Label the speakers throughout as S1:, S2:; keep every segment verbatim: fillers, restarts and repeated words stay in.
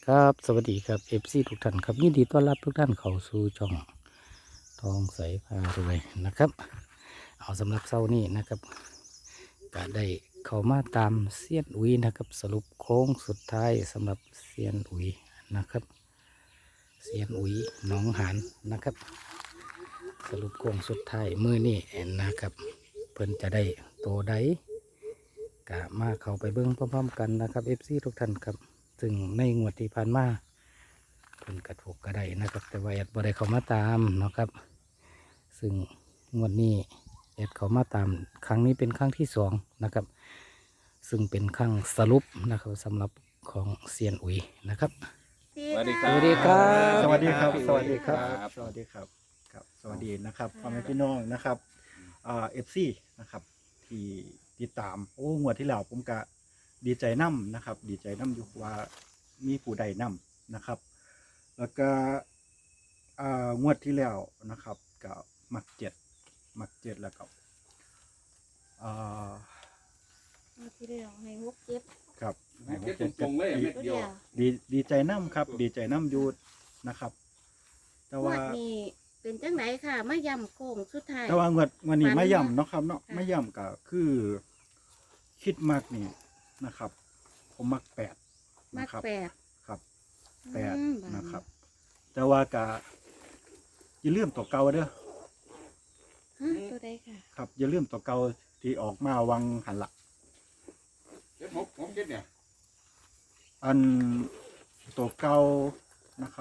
S1: ครับสวัสดีครับเอฟซีทุกท่านครับยินดีต้อนรับทุกท่านเข้าสู่ช่องทองใสพารวยนะครับเอาสำหรับเช้านี้นะครับก็ได้เข้ามาตามเซียนอุยนะครับสรุปโค้งสุดท้ายสำหรับเซียนอุยนะครับเซียนอุยหนองหานนะครับสรุปโค้งสุดท้ายมือนี่นะครับเพิ่นจะได้โตใดกะมาเข้าไปเบิ้งพร้อมๆกันนะครับเอฟซีทุกท่านครับซึ่งในงวดที่ผ่านมาเพิ่นกระถูกกระไดนะครับแต่ว่าแอดบ่ได้เข้ามาตามเนาะครับซึ่งงวดนี้แอดเข้ามาตามครั้งนี้เป็นครั้งที่สองนะครับซึ่งเป็นครั้งสรุปนะครับสำหรับของเซียนอุ๋ยนะครับ
S2: สวัสดีค
S1: ส
S2: รับ
S1: วัสดีครับ
S3: สวัสดีครับ
S2: พี่
S3: สวัสดีครับ
S2: ครับ
S3: สวัสดีครับ ครับ สวัสดีนะครับพ่อแม่พี่น้องนะครับอ่าเอฟซีนะครับ ที่ติดตาม โอ้งวดที่แล้วผมก็ดีใจน้ำนะครับ ดีใจน้ำอยู่ว่ามีผู้ใดน้ำนะครับ แล้วก็อ่างวดที่แล้วนะครับก็มักเจ็ดมักเจ็ดแล้วก็อ่า
S4: เอาที่เดียวให้หกเจ็ด
S3: ครับ
S2: ให้เจ็ดตรงๆเลยเม็ด
S4: ตัว
S2: เดี
S4: เดี
S2: ยว
S4: ยว
S3: ดีดีใจน้ำครับ ดีใจน้ำอยูนะครับ แต่
S4: งว
S3: ว่า
S4: ดนี้เป็นจังไหนค่ะมาย่ำโค้งสุดท้าย
S3: แต่ว่างวดวันนี้
S4: ฝัน
S3: ไม่
S4: ว่า
S3: ย่ำเนาะครับเนาะ
S4: ค่ะ
S3: ไม่ย่ำก็คือคิดมากนี่นะครับ ผมมักแปด
S4: มา
S3: นะครับ
S4: แปด
S3: ครับแปด
S4: อืม
S3: นะครับ แต่ว่ากะอย่าลืมตัวเก่าเด้อ
S4: ฮะตัวใดค่ะ
S3: ครับ อย่าลืมตัวเก่าที่ออกมาวังหันละ
S2: เจ็ดหกผมเจ็ดเนี่ย
S3: อันตัวเก่านะครับ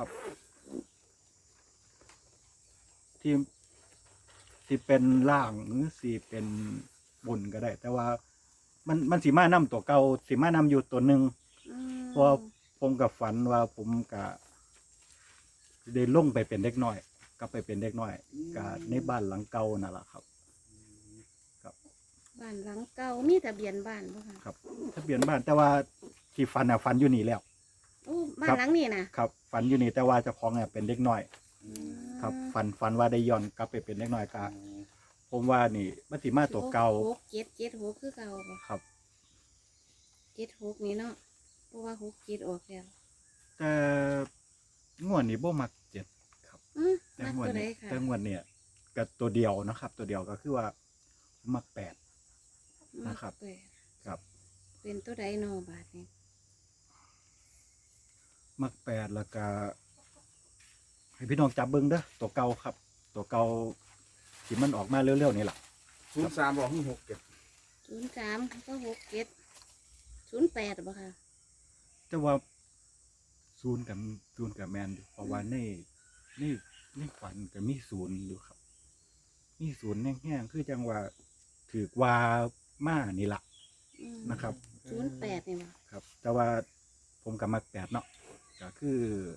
S3: ที่ที่เป็นล่างหรือสีเป็นบนก็ได้ แต่ว่ามันมันสีมานำตัวเก่าสีมานำอยู่ตัวหนึ่ง
S4: อืม
S3: เพราะผมกับฝันว่าผมกับได้ลงไปเป็นเด็กน้อยก็ไปเป็นเด็กน้อยกับในบ้านหลังเก่านั่นแหละครับ
S4: บ้านหลังเก่ามีทะเบียนบ้านบ่ค่ะ
S3: ครับทะเบียนบ้านแต่ว่าที่ฝันอ่ะฝันอยู่นี่แล้ว
S4: โอ้บ้าน
S3: ครับ
S4: หลังนี้นะครับ
S3: ฝันอยู่นี่แต่ว่าเจ้าของเนี่ยเป็นเด็กน้อย
S4: อืม
S3: ครับฝันฝันว่าได้ย้อนกลับไปเป็นเด็กน้อยกะผมว่านี่มันสิมาตัวเก่า
S4: หกเจ็ดเจ็ดหกคือเก่าบ่
S3: ครับ
S4: เจ็ดหกนี่เนาะเพราะว่าหกเจ็ดออกแล้ว
S3: แต่งวดนี้บ่มักเจ็ดครับ
S4: อืม
S3: แต่
S4: มัก
S3: งวด
S4: ตัวใด
S3: นี้
S4: ค่ะ
S3: แต่งวดเนี่ยกับตัวเดียวนะครับ ตัวเดียวก็คือว่ามักแปด นะครับ
S4: มักแปด
S3: ครับ
S4: เป็นตัวใดเนอบาทนี้
S3: มักแปดแล้วก็ให้พี่น้องจับเบิ้งเด้อตัวเก่าครับ ตัวเก่าที่มันออกมาเร็วๆนี่แหละ
S2: ศูนย์สามบอกหกเจ็ด
S4: ศูนย์สามก็หกเจ็ดศูนย์แปดบ่ค่ะ
S3: แต่ว่าศูนย์กับศูนย์กับแมนอยู่เพราะว่าในในในฝันก็มีศูนย์อยู่ครับ มีศูนย์แห้งๆคือจังว่าถือว่ามานี่ละ
S4: อืม
S3: นะครับ
S4: ศูนย์แปดนี่บ่
S3: ครับ แต่ว่าผมกับมักแปดเนาะก็คือ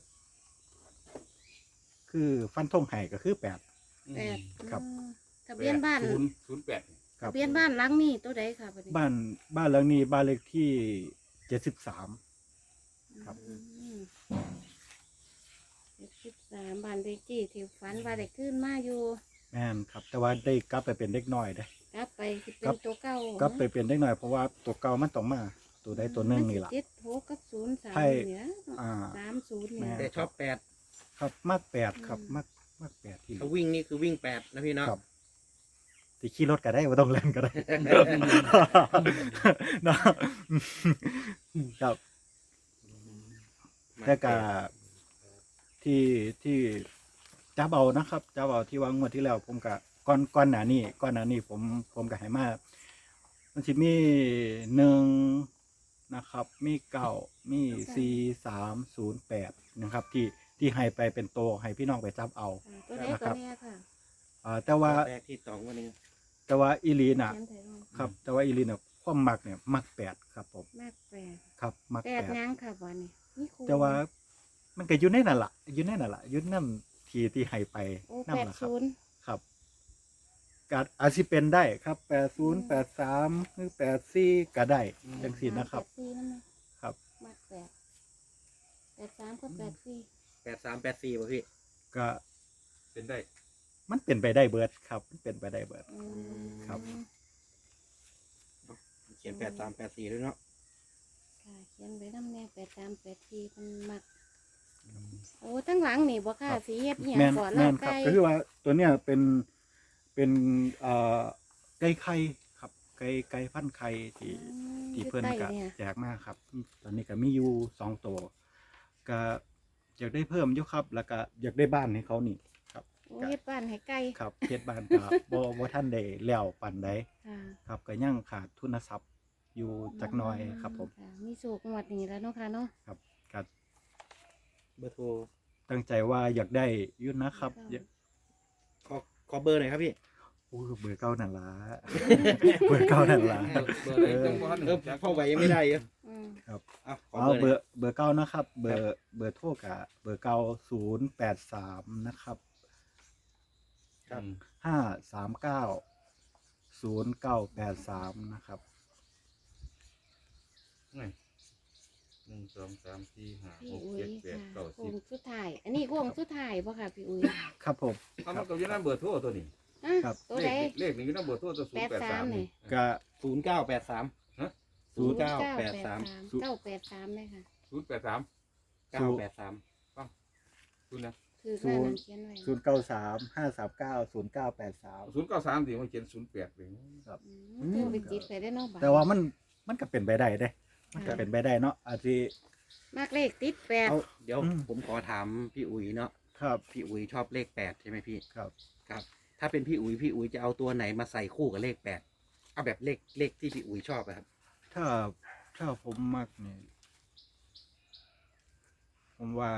S3: คือฟันธงไห้ก็คือแปด
S4: แปด
S3: ครับ
S4: อืมทะเบียนบ้าน
S2: ศูนย์ศูนย์แปด
S3: ครั
S4: ทะ
S3: บ
S4: เบียนบ้านหลังนี้ตัวใดค่ะบัดนี้
S3: บ้านบ้านหลังนี้บ้านเลขที่เจ็ดสิบสาม ครับ
S4: เจ็ดสิบสามบ้านเลขที่ที่ฝันว่าได้ขึ้นมาอยู่
S3: แม่นครับ แต่ว่าได้กลับไปเป็นเด็กน้อยได้
S4: กลับไปสิเป็
S3: ครั
S4: น
S3: บ
S4: ตัวเก่าก
S3: ลับไปเป็นเด็กน้อยเพราะว่าตัวเก่ามันต้องมาตัวใดตัวหนึ่งนี่แหละ
S4: เจ็ดหกกับศูนย์สาม
S3: ใช่
S4: เนี่ย
S3: อ่า
S4: สามศูนย์
S3: แม่
S4: เนี่ย
S5: แต่ชอบแปด
S3: ครับมากแปดครับมากมากแปดที่
S5: ถ้าวิ่งนี่คือวิ่งแปดนะพี่เนาะ
S3: ครับที่ขี่รถก็ได้ว่าต้องเล่นก็ได้ เนาะครับแต่กาที่ที่จับเอานะครับจับเอาที่วางงวดที่แล้ว ผมกะก้อนก้อนหนานี่ก้อนหนานี่ผมผมกะให้มามันสิมีหนึ่งนะครับ มีเก้ามีสี่สามศูนย์แปดนะครับ ที่ที่ให้ไปเป็นโตวให้พี่น้องไปจับเอา
S4: ตัวใด
S3: นะค
S4: ตั
S3: รั
S4: ว
S3: บ
S4: เนี้ยค่ะ
S3: อ่าแต่ว่า
S5: แปดที่สองวันนี้
S3: แต่ว่าอีลีน่ะ
S4: เขียนไทยลง
S3: ครับ แต่ว่าอีลีน่ะความมักเนี่ยมักแปดครับผม
S4: มากแปด
S3: ครับ มัก
S4: แป
S3: แป
S4: ด
S3: ด
S4: ยังค่ะวันนี้นี่ครู
S3: แต่ว่ามันก็อยู่ในนั่นละอยู่ในนั่นละอยุ่นำทีที่ให้ไป
S4: โอ้
S3: นั่
S4: แป
S3: น
S4: ด
S3: ละครับ
S4: ศูนย์
S3: ครับการอาจสิเป็นได้ครับแปดศูนย์แปดสามหรือแปดสี่ก็ได้จังสี่นะครับ
S4: แปดสี่นั่นไหม
S3: ครับ
S4: มากแปดแปดสามก็แปดสี่
S5: แปดสามแปดสี่ป่ะพี่
S3: ก็
S2: เป็นได้
S3: มันเป็นไปได้เบิดครับมันเป็นไปได้เบิด
S4: อืม
S3: ครับ
S5: เขียนแปดสามแปดสี่ด้วยเนาะ
S4: ค่ะเขียนไว้น้ำแน่แปดสามแปดสี่มันมักโอ้ทั้งหลังนี่บ่ค่ะสีเฮ็ดอีหยั
S3: แม่
S4: ง
S3: น
S4: ก่อน
S3: แม่
S4: ลาบ
S3: นครับ
S4: ไก่
S3: ก็คือว่าตัวเนี้ยเป็นเป็นเอ่อไก่ไข่ครับไก่ไก่พันธุ์ไข่ที่
S4: อืม
S3: ที่เพิ่น
S4: อยู่
S3: ก็
S4: ใต้เนี่ย
S3: แจกมาครับ ตอนนี้ก็มีอยู่สองตัวก็อยากได้เพิ่มอยู่ครับ แล้วก็อยากได้บ้านให้เขานี่ครับ
S4: โอ้เฮ็ดบ้านให้ไก่
S3: ครับเฮ็ดบ้านก็ บ่บ่ทันได้แล้วปานใด
S4: ค่ะ
S3: ครับก็ยังขาดทุนทรัพย์อยู่จักหน่อยครับผม
S4: ะมีโศกงวดนี้แล้วเนาะค่ะเนาะ
S3: ครับก็
S5: เบอร์โทร
S3: ตั้งใจว่าอยากได้อยู่นะครับอยาก
S5: ขอขอเบอร์หน่อยครับพี่
S3: โอ้เบอร์เก้านั่นล่ะ เบอร์เก้านั่นล่ะ
S2: เบอร์อะไรจังหวะ
S5: เออพ่อไหวยังไม่ได้เยอะ
S4: อืม
S5: เอาขอ
S3: เอา
S5: เบอร์ห
S3: เบ
S5: น่
S3: อ
S5: อย
S3: ร์เบอร์เก้านะครับ เบอร์เบอร์โทรกะเบอร์เก้าศูนย์แปดสามนะครับ
S2: ครับ
S3: ห้าสามเก้าศูนย์เก้าแปดสามนะครับ
S2: นี่หนึ่งสองสามสี่ห้า
S4: พี่
S2: หก
S4: อุ้ย
S2: เจ็ดแปด
S4: ค่ะ
S2: เก้า
S4: โค้
S2: สิบ
S4: งสุดท้าย อันนี้โค้งสุดท้ายบ่ค่ะพี่อุ้ย
S3: ครับผม
S2: เอามันก็อยู่ในเบอร์โทรตัวนี้
S4: อ่ะ
S3: ครับ
S4: ตัว
S2: เล
S4: ใด
S2: ขเลขนี่อยู่ในเบอร์โทรตัวศูน
S4: แป
S2: ย์
S4: ด
S2: แปด
S4: สา
S2: สาม ม
S4: นี่
S2: นี่
S3: กะ
S5: ศูนย์เก้าแปดสาม
S2: ฮะ
S5: ศูนย์เก้าแปดสาม
S4: เก้าแปดสามเลยค่ะ
S2: ศูนย์แปดสาม
S5: เก้าแปดสาม
S2: คุณนะ
S4: คือหน้านั้นเขียนไว้
S3: ศูนย์เก้าสามห้าสามเก้าศูนย์เก้าแปดสาม
S2: ศูนย์เก้าสามที่มันเขียนศูนย์แปดเลย
S4: อืมเธอไปจิตไปได้เนาะบ่
S3: แต่ว่ามันมันก็เป็นไปได้เด้ มันก็เป็นไปได้เนาะอาจจะ
S4: มากเลขติดแปด
S5: เอาเดี๋ยว
S3: อืม
S5: ผมขอถามพี่อุ๋ยเนาะ
S3: ครับ
S5: พี่อุ๋ยชอบเลขแปดใช่ไหมพี่
S3: ครับ
S5: ครับ ถ้าเป็นพี่อุ๋ยพี่อุ๋ยจะเอาตัวไหนมาใส่คู่กับเลขแปดเอาแบบเลขเลขที่พี่อุ๋ยชอบอะครับ
S3: ถ้าถ้าผมมักเนี่ยผมว่า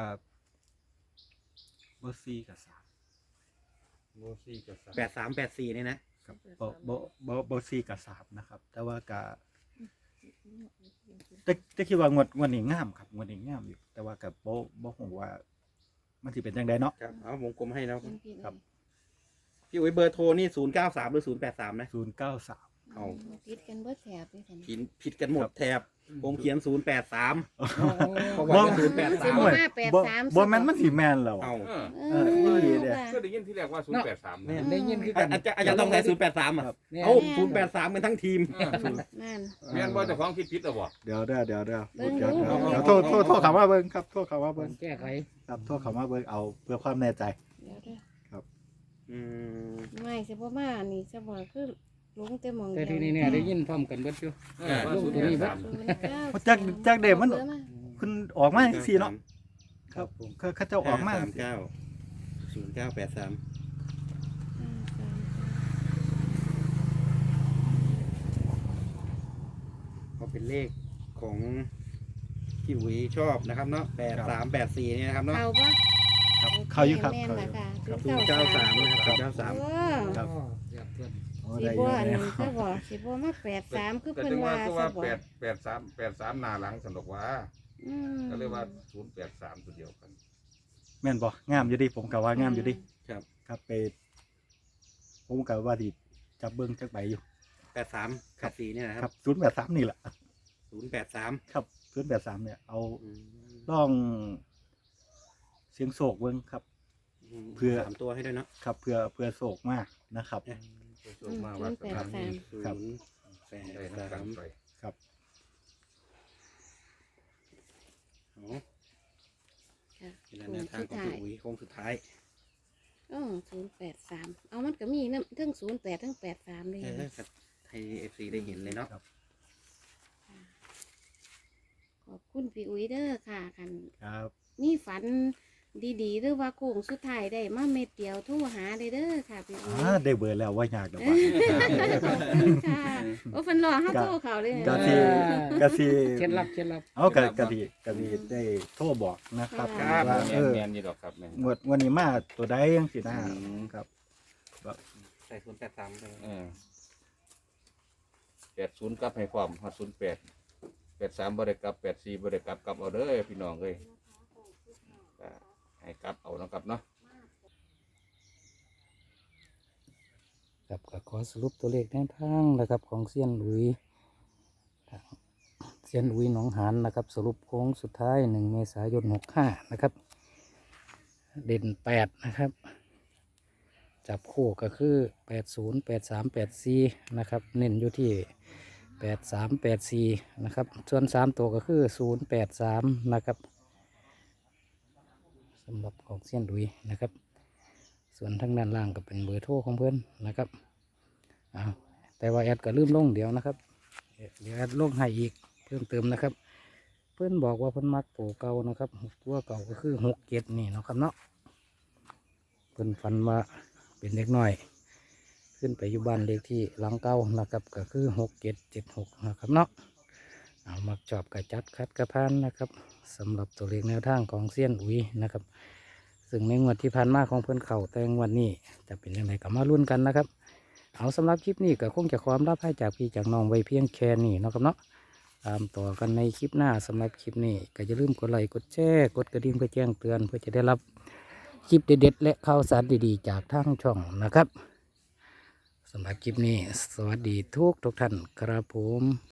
S3: เบอร์สี่กับสาม
S2: โมซี่กับสาม
S5: แปดสามแปดสี่เนี่ยนะครับ
S3: เบอร์เบอร์เบอร์เบอร์สี่กับสามนะครับ แต่ว่ากะแต่แต่คิดว่างวดงวดนี้งามครับงวดนี้งามอยู่ แต่ว่ากับโบโบผมว่า มันสิเป็นยังไงเนาะ
S5: ครับเอาวงกลมให้แล้ว
S4: เขียนผิด
S3: ครับ
S5: พี่อุ๋ยเบอร์โทรนี่ศูนย์เก้าสามหรือศูนย์แปดสามนะ
S3: ศูนย์เก้าสาม
S5: เอา
S4: ติดกันเบิดแถบเลยค่ะ
S5: ผิดผิดกันหมดแถบผมเขียนศูนย์แปดสาม เพราะ
S3: บ่
S5: ว่าศูนย์แปด
S4: สิ
S5: สาม
S4: บ่มาแปด
S3: บ่
S4: สาม
S3: บ่แม่นมันสิแม่นแล้ว
S5: เอา
S2: เออ
S4: เอ
S3: เออ
S4: อ
S3: นี่เด้อ
S4: ค่ะ
S2: ก็ได้ยินที่แรกว่าศูนย์แปดสาม
S5: เนี่ย
S1: ได้ยินคือ
S5: อา
S1: กัน
S5: จารย์อาจารย์ต้องใส่ศูนย์แปดสามอ่ะ
S3: ครับ
S1: เนี่ย
S5: เอ้าศูนย์แปดสามกันทั้งทีม
S4: นั่น
S2: แม่นว่าเจ้าของคิดผิดหรอบ่
S3: เดี๋ยวเด้อเดี๋ยวเด้อ
S4: เบิ่ง
S3: เดี๋ยว
S4: ดู
S3: เดี๋ยวเดี๋ยวโทษโทษโทษคำว่าเบิ่งครับโทษคำว่าเบิ่ง
S1: แก้ไข
S3: ครับโทษคำว่าเบิ่งเอาเพื่อความแน่ใจ
S4: เดี๋ยวเด้อ
S5: อืม
S4: ไม่สิบ่มานี่จะบอกคือหลงแต่หมอง
S1: แต่
S4: เดียว
S1: ที่นี่เนี่ยได้ยินพร้อมกันเบิดอยู่
S2: เออว่าศูนย์แปดสาม
S4: ศูนย์เก้า
S3: จักจักเดมัน
S4: อาบอร์า
S3: คุณออกมาจังซี่เนาะ
S1: ครับผม
S3: เขาเขาเจ้าออกมา
S5: สามเก้าศูนย์เก้าแปดสาม
S4: ห้าสาม
S5: ก็เป็นเลขของพี่อุ๋ยชอบนะครับเนาะแปดสามแปดสี่นี่นะครับเนาะ
S4: เอาปะ
S3: ครับเขาอยู่ครับ
S4: แม่น
S3: เขาอ
S4: ล่ะ
S3: ยู่
S4: ค่ะ
S3: ครับ
S5: ศูนย์เก้าสามนะครับศูนย์เก้าสาม
S4: โอ้
S3: ครับ
S1: เรียบเพื่อน
S3: โอ้
S4: สิ
S3: ได้อ
S4: บ่
S3: ยู่
S4: อัน
S3: ได้
S4: นี้ก็บอกสิบ่มาแปดสามคือ
S2: แต่
S4: เพิ่น
S2: จังว่า
S4: ว่า
S2: ก็
S4: ซะ
S2: ว่า
S4: บ่
S2: แปดแปดสามแปดสามหน้าหลังสนุกว่า
S4: อืม
S2: ก็เลยว่าศูนย์แปดสามตัวเดียวกัน
S3: แม่นบ่งามอยู่ดิผมก็ว่างามอยู่ดิ
S5: ครับ
S3: ครับไปผมก็ว่าดิจับเบิ่งจักใบอยู่
S5: แปดสามแปดสี่เนี่ยนะค
S3: ครั
S5: รั
S3: บบ ศูนย์แปดสามนี่แหละ
S5: ศูนย์แปดสาม
S3: ครับศูนย์แปดสามเนี่ยเอา
S5: อืม
S3: ลองเสียงโศกเบิ่งครับ เพื่อ
S5: สามตัวให้ด้วยเนาะ
S3: ครับเพื่อเพื่อโศกมากนะครับ
S2: ส่วนมากว่าสถานนี้
S5: ศู
S3: ครับ
S5: นย์แป
S2: ได้
S5: ด
S2: นัก
S5: สา
S2: การ
S5: ม
S2: ไป
S3: ครับ
S5: อ๋อ
S4: ค่ะ
S5: เป็นแนวทางของพี่อุ๋ยโค้งสุดท้าย
S4: อ๋อศูนย์แปดสามเอามันก็มีนำทั้งศูนย์แปดทั้งแปดสามเลย
S5: เออครับให้เอฟซีได้เห็นเลยเนาะ
S4: ขอบคุณพี่อุ้ยเด้อค่ะคัน
S3: ครับ
S4: มีฝันดีๆหรือว่าโค้งสุดท้ายได้มาเม็ดเดียวโทรหาได้เด้อค่ะพี่อุ้
S3: อ่าย ได้เบอร์แล้วว่ายากดอกว่า
S4: ขอบคุณค่ะโอ้ฟันรอเฮาโทรเขาเลย
S3: ก็สิก็สิ
S1: เคล็ดลับเคล็ดลับ
S3: เอากะกะสิกะสิได้โทรบอกนะครับ
S2: ครับ
S3: ว่า
S2: แม
S3: เอน อ
S2: แมนนี่ดอกครับแมน
S3: งวดวันนี้มาตัวใดจังซี่นะ
S2: อืม
S3: ครับ
S5: ใส่ศูนย์แปดสามไป
S2: เออแปดศูนย์กลับให้ความฮอดศูนย์แปดแปดสามบริกลับแปดสี่บริกลับกลับเอาเด้อพี่น้องเอ้ยก็ให้กลับเอานะครับเนาะ
S1: ครับก็ขอสรุปตัวเลขแนวทางนะครับของเซียนหลุยเซียนหลุยหนองหานนะครับ สรุปโค้งสุดท้ายหนึ่งเมษายนหกห้านะครับ เด่นแปดนะครับ จับคู่ก็คือแปดศูนย์แปดสามแปดสี่นะครับ เน้นอยู่ที่แปดสามแปดสี่นะครับ ส่วนสามตัวก็คือศูนย์แปดสามนะครับสำหรับของเซียนดุยนะครับ ส่วนทางด้านล่างก็เป็นเบอร์โทรของเพื่อนนะครับอ้าวแต่ว่าแอดก็ลืมลงเดี๋ยวนะครับเดี๋ยวแอดลงให้อีกเพิ่มเติมนะครับ เพื่อนบอกว่าเพื่อนมักตัวเก่านะครับตัวเก่าก็คือหกเจ็ดนี่เนาะครับเนาะเพื่อนฝันว่าเป็นเด็กน้อย ขึ้นไปอยู่บ้านเลขที่หลังเก่านะครับก็คือหกเจ็ดเจ็ดหกนะครับเนาะเอามักชอบกระจัดคัดกระพานนะครับสำหรับตัวเลขแนวทางของเซียนอุ๋ยนะครับ ซึ่งในงวดที่ผ่านมาของเพื่อนเข่าแต่งวันนี้จะเป็นยังไงก็มาลุ้นกันนะครับ เอาสำหรับคลิปนี้ก็คงจะความรับให้จากพี่จากน้องไว้เพียงแค่นี้เนาะครับเนาะตามต่อกันในคลิปหน้าสำหรับคลิปนี้ก็อย่าลืมกดไลค์กดแชร์กดกระดิ่งเพื่อแจ้งเตือนเพื่อจะได้รับคลิปเด็ดๆและข่าวสารดีๆจากทางช่องนะครับสำหรับคลิปนี้สวัสดีทุกทุกท่านครับผม